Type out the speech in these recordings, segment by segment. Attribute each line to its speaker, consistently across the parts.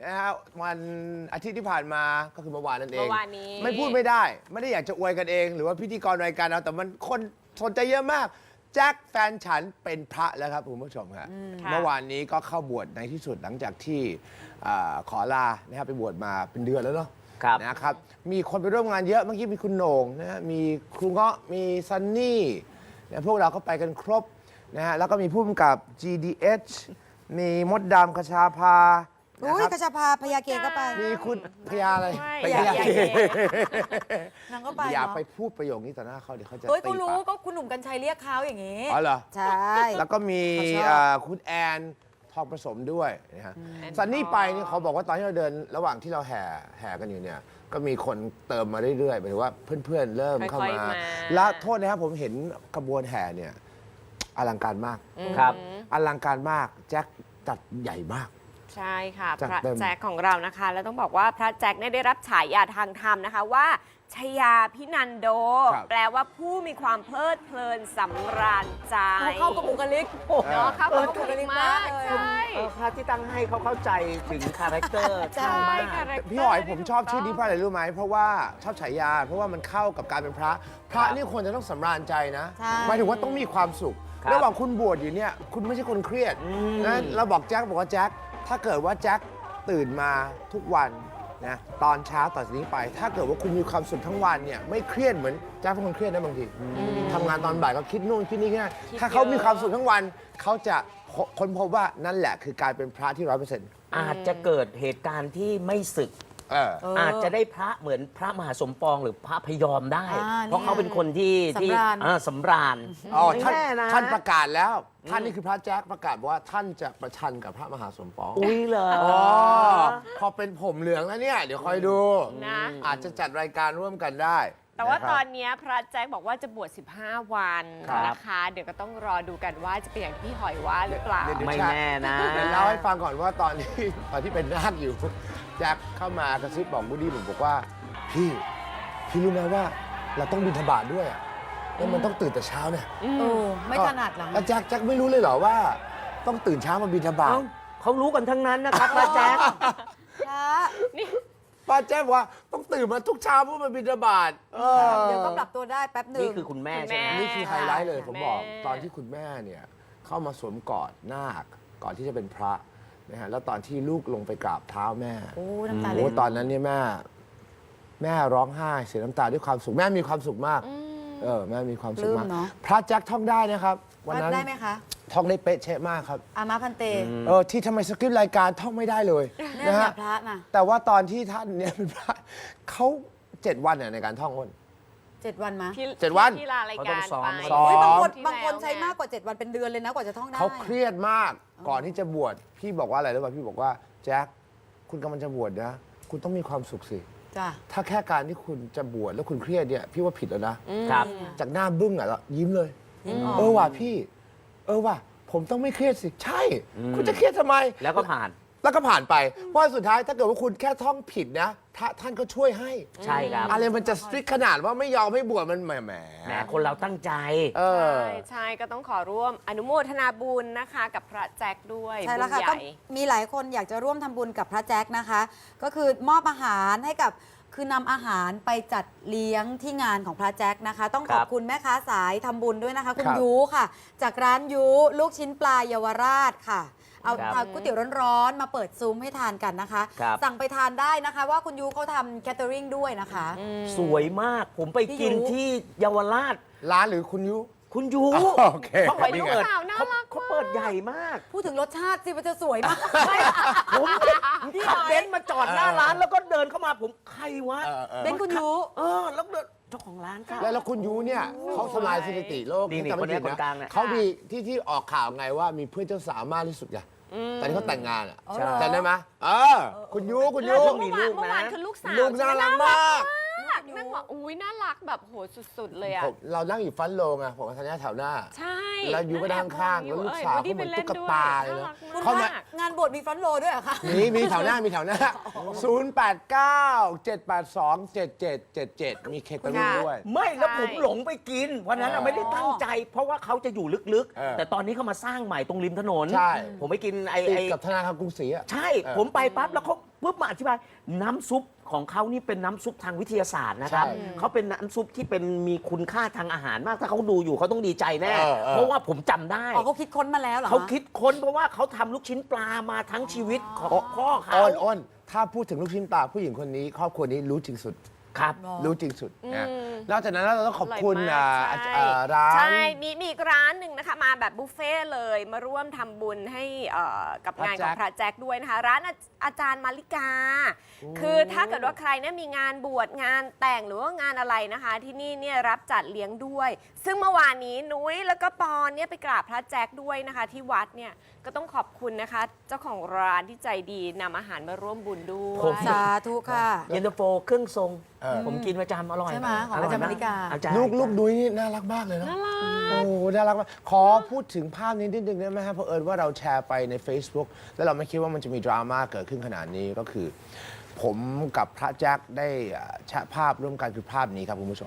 Speaker 1: นะฮะวันอาทิตย์ที่ผ่านมาก็คือเมื่อวานนั่นเอง
Speaker 2: เมื่อวานนี้
Speaker 1: ไม่พูดไม่ได้ ไม่ได้อยากจะอวยกันเอง หรือว่าพิธีกรรายการเราแต่มันคนสนใจเยอะมากแจ็คแฟนฉันเป็นพระแล้วครับคุณผู้ชมครับเมื่อวานนี้ก็เข้าบวชในที่สุดหลังจากที่ขอลานะครับไปบวชมาเป็นเดือนแล้วเนาะนะครับมีคนไปร่วมงานเยอะเมื่อกี้มีคุณโหน่งนะฮะมีครูเงาะมีซันนี่นะพวกเราก็ไปกันครบนะฮะแล้วก็มีผู้กำกับ GDH มีมดดำคชาภา
Speaker 3: อุ้ยกระชาพาพยาเกก็ไป
Speaker 1: มีคุณพยาอะไร
Speaker 2: พยาเก
Speaker 3: นางก็ไป
Speaker 1: อย่า
Speaker 3: เนาะ
Speaker 1: ไปพูดประโยคนี้ต่อหน้าเขาเดี๋ยวเขาจะ
Speaker 3: เฮ้ย
Speaker 1: ตี
Speaker 3: ก็รู้
Speaker 1: ปาก
Speaker 3: ก็คุณหนุ่มกัญชัยเรียกเขาอย่างนี้
Speaker 1: อ๋อเหรอ
Speaker 3: ใช่
Speaker 1: แล้วก็มี
Speaker 3: เขาชอบ
Speaker 1: คุณแอนทองผสมด้วยนะฮะซันนี่ไปนี่เขาบอกว่าตอนที่เราเดินระหว่างที่เราแห่กันอยู่เนี่ยก็มีคนเติมมาเรื่อยๆหมายถึงว่าเพื่อนๆเริ่มเข้า
Speaker 2: ค่อย
Speaker 1: มา
Speaker 2: ๆมา
Speaker 1: แล้วโทษนะครับผมเห็นขบวนแห่เนี่ยอลังการมาก
Speaker 4: ครับ
Speaker 1: อลังการมากแจ็คจัดใหญ่มาก
Speaker 2: ใช่ค่ะ
Speaker 1: จัด
Speaker 2: พระ
Speaker 1: เต็ม
Speaker 2: แจ็คของเรานะคะ แล้วต้องบอกว่าพระแจ็คเนี่ยได้รับฉายาทางธรรมนะคะว่าชยาพินันโด แปลว่าผู้มีความเพลิดเพลินสำราญใจ
Speaker 3: เข้ากับบุคลิก
Speaker 2: เนาะเข้ากับบุคลิกมาก
Speaker 3: เลย
Speaker 2: ใช่
Speaker 4: พระที่ตั้งให้เขาเข้าใจถึงคาแรคเตอร์
Speaker 3: ใช่
Speaker 4: เข้ามาก
Speaker 1: พี่หอยผมชอบชื่อนี้เพราะอะไรรู้ไหมเพราะว่าชอบฉายาเพราะว่ามันเข้ากับการเป็นพระพระนี่ควรจะต้องสำราญใจนะ
Speaker 3: ใช่
Speaker 1: หมายถึงว่าต้องมีความสุข
Speaker 4: ครับ
Speaker 1: ระหว่างคุณบวชอยู่เนี่ยคุณไม่ใช่คนเครียดนะเราบอกแจ็คบอกว่าแจ็คถ้าเกิดว่าแจ็คตื่นมาทุกวันนะตอนเช้าต่อจากนี้ไป ถ้าเกิดว่าคุณมีความสุขทั้งวันเนี่ยไม่เครียดเหมือนแจ็คเป็นคนเครียดนะบางทีทำงานตอนบ่ายก็คิดนู่นคิดนี่นะถ้าเขามีความสุขทั้งวันเขาจะค้นพบว่านั่นแหละคือการเป็นพระที่ 100%
Speaker 4: อาจจะเกิดเหตุการณ์ที่ไม่ศึก อาจจะได้พระเหมือนพระมหาสมปองหรือพระพยอมได้ เพราะเขาเป็นคนที่
Speaker 3: สำราญ
Speaker 4: สำราญ
Speaker 1: อ๋อท่าน
Speaker 4: แน่นะ
Speaker 1: ท่านประกาศแล้ว ท่านนี่คือพระแจ๊คประกาศว่าท่านจะประชันกับพระมหาสมปอง
Speaker 4: อุ้ยเหรอ
Speaker 1: อ๋อพอเป็นผมเหลืองแล้วเนี่ย เดี๋ยวคอยดู
Speaker 2: นะ
Speaker 1: อาจจะจัดรายการร่วมกันได้
Speaker 2: แต่ว่า
Speaker 1: ะครับ
Speaker 2: ตอนนี้พระแจ็คบอกว่าจะบวช 15 วัน
Speaker 1: ครับ
Speaker 2: นะคะ เดี๋ยวก็ต้องรอดูกันว่าจะเป็นอย่างที่พี่หอยว่าหรือเปล่า
Speaker 1: เดี๋ยว
Speaker 4: ไม่แน่นะ
Speaker 1: เดี๋ยวเล่าให้ฟังก่อนว่าตอนที่เป็นนาคอยู่แจ็คเข้ามากระซิบบอกบูดี้ผมบอกว่าพี่รู้ไหมว่าเราต้องบิณฑบาตด้วยอะแล้วมันต้องตื่นแต่เช้าเนี่ย
Speaker 3: ไม่ถนัดหลัง
Speaker 1: แล้วแจ็คไม่รู้เลยเหรอว่า ต้องตื่นเช้ามาบิณฑบาต
Speaker 4: เอ้าเขารู้กันทั้งนั้นนะครับพระแจ๊ค
Speaker 3: พระ
Speaker 1: ป้าแจ้งว่าต้องตื่นมาทุกเช้าเพื่อมาบิณฑบาต
Speaker 3: เดี๋ยวก็ปรับตัวได้แป๊บหนึ่ง
Speaker 4: นี่คือคุณแม่ใช่ไหม
Speaker 1: นี่คือไฮไลท์เลยผมบอก
Speaker 2: แม่
Speaker 1: ตอนที่คุณแม่เนี่ยเข้ามาสวมกอดนาคก่อนที่จะเป็นพระนะฮะแล้วตอนที่ลูกลงไปกราบเท้าแม่
Speaker 3: โอ้น้ำตาไหล
Speaker 1: โอ้ตอนนั้นเนี่ยแม่ร้องไห้เสียน้ำตาด้วยความสุขแม่มีความสุขมากแม่มีความสุขมาก
Speaker 3: ปลื้มเนอะ
Speaker 1: พระแจ็คท่องได้นะครับวันนั้น
Speaker 3: ได้ไหมคะ
Speaker 1: ท่องได้เป๊ะเชะมากครับ
Speaker 3: อามาพันเต
Speaker 1: ที่ทำไมสคริปต์รายการท่องไม่ได้เลย
Speaker 3: แน่
Speaker 1: นะ
Speaker 3: แบ
Speaker 1: ฮะ
Speaker 3: บพระน่ะ
Speaker 1: แต่ว่าตอนที่ท่านเนี่ยเป็นพระเขา7 วันเนี่ยในการท่องอ้น
Speaker 3: 7 วันมะ
Speaker 2: ที่
Speaker 1: 7 วัน
Speaker 2: ที่ลารายการ
Speaker 4: เขาต้องซ้อม
Speaker 2: ไป
Speaker 1: ซ้อม
Speaker 3: เฮ้ยบางคน
Speaker 2: ที่
Speaker 3: บางคน
Speaker 2: แล้ว
Speaker 3: ใช้มากกว่า 7 วันเป็นเดือนเลยนะกว่าจะท่องได้
Speaker 1: เขาเครียดมากก่อนที่จะบวชพี่บอกว่าอะไรรู้ป่ะพี่บอกว่าแจ็คคุณกำลังจะบวชนะคุณต้องมีความสุขสิ
Speaker 3: จ้ะ
Speaker 1: ถ้าแค่การที่คุณจะบวชแล้วคุณเครียดเนี่ยพี่ว่าผิดแล้วนะครับ จากหน้าบึ้งอ่ะแล้วยิ้มเลย ว่ะพี่ว่ะผมต้องไม่เครียดสิใช่ คุณจะเครียดทำไม
Speaker 4: แล้วก็ผ่าน
Speaker 1: แล้วก็ผ่านไปเพราะสุดท้ายถ้าเกิดว่าคุณแค่ท่องผิดนะท่านก็ช่วยให้
Speaker 4: ใช่ครับ
Speaker 1: อะไรมันจะสตริกขนาดว่าไม่ยอมให้บวชมันแหม
Speaker 4: แหมคนเราตั้งใจ
Speaker 2: ใช่ก็ต้องขอร่วมอนุโมทนาบุญนะคะ กับพระแจ็คด้วย
Speaker 3: ใช่แล้วค่ะ
Speaker 2: บุญ
Speaker 3: ก็
Speaker 2: ใหญ่
Speaker 3: มีหลายคนอยากจะร่วมทำบุญกับพระแจ็คนะคะ ก็คือมอบอาหารให้กับคือนำอาหารไปจัดเลี้ยงที่งานของพระแจ็คนะคะ ต้องขอบ
Speaker 4: ครับ
Speaker 3: คุณแม่ค้าสายทำบุญด้วยนะคะ คุณ
Speaker 1: ครับ
Speaker 3: ยูค่ะ จากร้านยูลูกชิ้นปลาเยาวราชค่ะ เอา
Speaker 4: ครับ
Speaker 3: ก๋วยเตี๋ยวร้อนๆมาเปิดซุ้มให้ทานกันนะคะ
Speaker 4: ครับ
Speaker 3: สั่งไปทานได้นะคะ ว่าคุณยูเขาทำแคทเตอริงด้วยนะคะ
Speaker 4: สวยมาก ผมไปกิน
Speaker 3: พี่ยุ
Speaker 4: ที่เยาวราช
Speaker 1: ร้านหรือคุณยุ
Speaker 4: คุณยู
Speaker 1: โอเค
Speaker 4: เขาไป
Speaker 1: นี่ไง
Speaker 4: เปิด
Speaker 2: สาวน่ารัก
Speaker 4: เขาเปิดใหญ่มาก
Speaker 3: พูดถึงรสชาติสิมันจะสวยมาก
Speaker 4: ผมขับเบนซ์มาจอดหน้าร้านแล้วก็เดินเข้ามาผมใครวะ
Speaker 3: เป็นคุณยู
Speaker 4: แล้วเดินเจ้าของร้านค่ะ
Speaker 1: แล้วคุณยูเนี่ยเขาทำลายสถิติโลก
Speaker 4: นี่
Speaker 1: จำไม่ผิด
Speaker 4: คนกลางเนี่ย
Speaker 1: เขามีที่ออกข่าวไงว่ามีเพื่อนเจ้าสาวมากที่สุดไงตอนที่เขาแต่งงานอ่ะ
Speaker 3: ใช่
Speaker 1: จำได้ไหมคุณยู
Speaker 2: แล้ว
Speaker 4: มีลูกนะ
Speaker 2: เมื่อวานคือลูกสาว
Speaker 1: ลูกน่ารักมาก
Speaker 2: ากนั่งบอกอุ้ยน่ารักแบบโหสุดๆเลยอะ
Speaker 1: เรานั่งอยู่ฟันโลงอะผมกับธัญญาแถวหน้า
Speaker 2: ใช่
Speaker 1: แล้วยูก็นั่งข้างแล้วลูกสาวเขาเหมือนตุ๊กตาเลยนะ
Speaker 3: คุณ
Speaker 1: เข้า
Speaker 3: คะ
Speaker 1: มา
Speaker 3: งานบวชมีฟรอนต์โรด้วยเหรอคะ
Speaker 1: มีแถวหน้า089-782-7777 มีเค้กไปร่วมด้วย
Speaker 4: ไม่แล้วผมหลงไปกินวันนั้นไม่ได้ตั้งใจ เพราะว่าเขาจะอยู่ลึก
Speaker 1: เออ
Speaker 4: ๆ แต่ตอนนี้เขามาสร้างใหม่ตรงริมถนน
Speaker 1: ใช่
Speaker 4: ผมไปกิน
Speaker 1: ติดกับธนาคารกรุงศรีอะ
Speaker 4: ใช่ ผมไปปั๊บแล้วเขาปุ๊บมาอธิบายน้ำซุปของเขานี่เป็นน้ำซุปทางวิทยาศาสตร์นะครับ
Speaker 1: ใช่
Speaker 4: เขาเป็นน้ำซุปที่เป็นมีคุณค่าทางอาหารมากถ้าเขาดูอยู่เขาต้องดีใจแน่
Speaker 1: เออ
Speaker 4: เพราะว่าผมจำได้
Speaker 3: อ๋อเขาคิดค้นมาแล้วเหรอ
Speaker 4: เขาคิดค้นเพราะว่าเขาทำลูกชิ้นปลามาทั้งชีวิตของพ่อเขา
Speaker 1: อ้นถ้าพูดถึงลูกชิ้นปลาผู้หญิงคนนี้ครอบครัวนี้รู้จริงสุด
Speaker 4: ครับ
Speaker 1: รู้จริงสุดนะนอกจากนั้นเราต้องขอบคุณ
Speaker 2: ร่อยมากใช่
Speaker 1: ร้าน
Speaker 2: ใช่ มีอีกร้านหนึ่งนะคะ มาแบบบุฟเฟ่ต์เลย มาร่วมทำบุญให้กับงานของพระแจ็คด้วยนะคะ ร้านอาจารย์มาริกา คือถ้าเกิดว่าใครเนี่ยมีงานบวชงานแต่งหรือว่างานอะไรนะคะ ที่นี่เนี่ยรับจัดเลี้ยงด้วย ซึ่งเมื่อวานนี้นุ้ยแล้วก็ปอนเนี่ยไปกราบพระแจ็คด้วยนะคะ ที่วัดเนี่ยก็ต้องขอบคุณนะคะ เจ้าของร้านที่ใจดีนำอาหารมาร่วมบุญด้วย
Speaker 4: ผม
Speaker 3: สาธุค่ะ
Speaker 4: เย็นตาโฟเครื่องทรง
Speaker 1: เออ
Speaker 4: ผมกินประจำอร่อย
Speaker 3: ใช่ไหมของอาจารย์มาริกา
Speaker 4: อาจารย์
Speaker 1: ลูกดุ้ยนี่น่ารักมากเลยนะโอ้น่ารักมากขอพูดถึงภาพนี้นิดนึงได้ไหมครับเพราะเอิญว่าเราแชร์ไปใน Facebook แล้วเราไม่คิดว่ามันจะมีดราม่าเกิดขึ้นขนาดนี้ก็คือ ผมกับพระแจ็คได้แชะภาพร่วมกันคือภาพนี้ครับคุณผู้ชม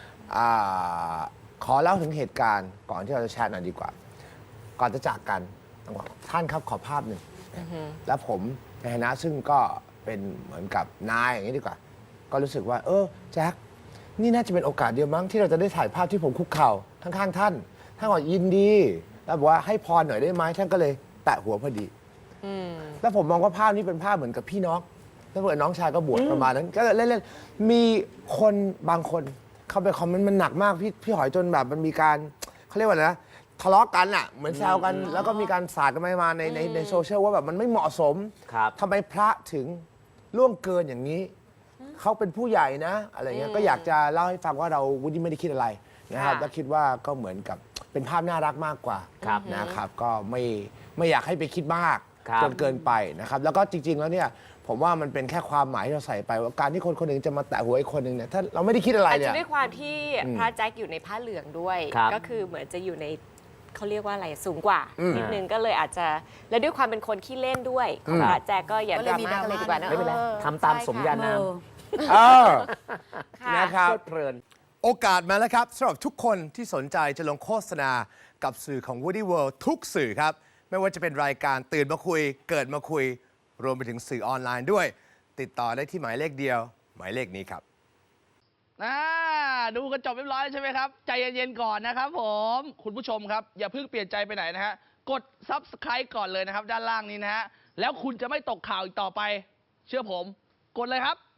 Speaker 1: ขอเล่าถึงเหตุการณ์ก่อนที่เราจะแชร์หน่อยดีกว่า ก่อนจะจากกันต้องบอกท่านครับขอภาพหนึ่งแล้วผมในฐานะซึ่งก็เป็นเหมือนกับนายอย่างนี้ดีกว่า ก็รู้สึกว่าแจ็คนี่น่าจะเป็นโอกาสเดียวมั้งที่เราจะได้ถ่ายภาพที่ผมคุกเข่าข้างๆท่านท่านบอกยินดีแล้วบอกว่าให้พรหน่อยได้ไหมท่านก็เลยแตะหัวพอดีแล้วผมมองว่าภาพนี้เป็นภาพเหมือนกับพี่น้องแล้วเพื่อนน้องชายก็บวชประมาณนั้น ก็เล่นๆมีคนบางคนเข้าไปคอมเมนต์มันหนักมากพี่หอยจนแบบมันมีการเขาเรียกว่าอะไรนะทะเลาะกันอ่ะเหมือนแซวกันแล้วก็มีการสาดกันไปมาในโซเชียลว่าแบบมันไม่เหมาะสม
Speaker 4: ครับ
Speaker 1: ทำไมพระถึงล่วงเกินอย่างนี้ เขาเป็นผู้ใหญ่นะอะไรเงี้ยก็อยากจะเล่าให้ฟังว่าเราวุฒิไม่ได้คิดอะไรนะครับ
Speaker 2: ค่ะ
Speaker 1: แล้วคิดว่าก็เหมือนกับเป็นภาพน่ารักมากกว่า
Speaker 4: ครับ
Speaker 1: นะครับ ก็ไม่อยากให้ไปคิดมาก
Speaker 4: ครับ
Speaker 1: จนเกินไปนะครับ แล้วก็จริง ๆ แล้วเนี่ยผมว่ามันเป็นแค่ความหมายที่เราใส่ไปว่าการที่คนคนหนึ่งจะมาแตะหัวอีกคนหนึ่งเนี่ยถ้าเราไม่ได้คิดอะไร
Speaker 2: อาจ
Speaker 1: เนี่
Speaker 2: จะ
Speaker 1: ย
Speaker 2: ด้วยความที่พระแจ็คอยู่ในผ้าเหลืองด้วย
Speaker 4: ครับ
Speaker 2: ก็คือเหมือนจะอยู่ในเขาเรียกว่าอะไรสูงกว่านิดนึงก็เลยอาจจะและด้วยความเป็นคนขี้เล่นด้วยของพระแจ็คก็อย่า
Speaker 3: ก็
Speaker 2: ด
Speaker 3: เลย
Speaker 2: รา
Speaker 3: มี
Speaker 2: ม่าเลยดีกว่านะ
Speaker 4: ไม่เป็นไร
Speaker 2: ออ
Speaker 4: ทำตามสมญานาม
Speaker 1: เออ
Speaker 2: ค่ะ
Speaker 1: นะครับ
Speaker 4: เพลิดเพลิน
Speaker 1: โอกาสมาแล้วครับสำหรับทุกคนที่สนใจจะลงโฆษณากับสื่อของ Woody World ทุกสื่อครับ ไม่ว่าจะเป็นรายการตื่นมาคุย เกิดมาคุย รวมไปถึงสื่อออนไลน์ด้วย ติดต่อได้ที่หมายเลขเดียว หมายเลขนี้ครับ
Speaker 5: ดูกันจบเรียบร้อยแล้วใช่ไหมครับ ใจเย็นๆก่อนนะครับผม คุณผู้ชมครับ อย่าเพิ่งเปลี่ยนใจไปไหนนะฮะ กด Subscribe ก่อนเลยนะครับ ด้านล่างนี้นะฮะ แล้วคุณจะไม่ตกข่าวอีกต่อไป เชื่อผม กดเลยครับ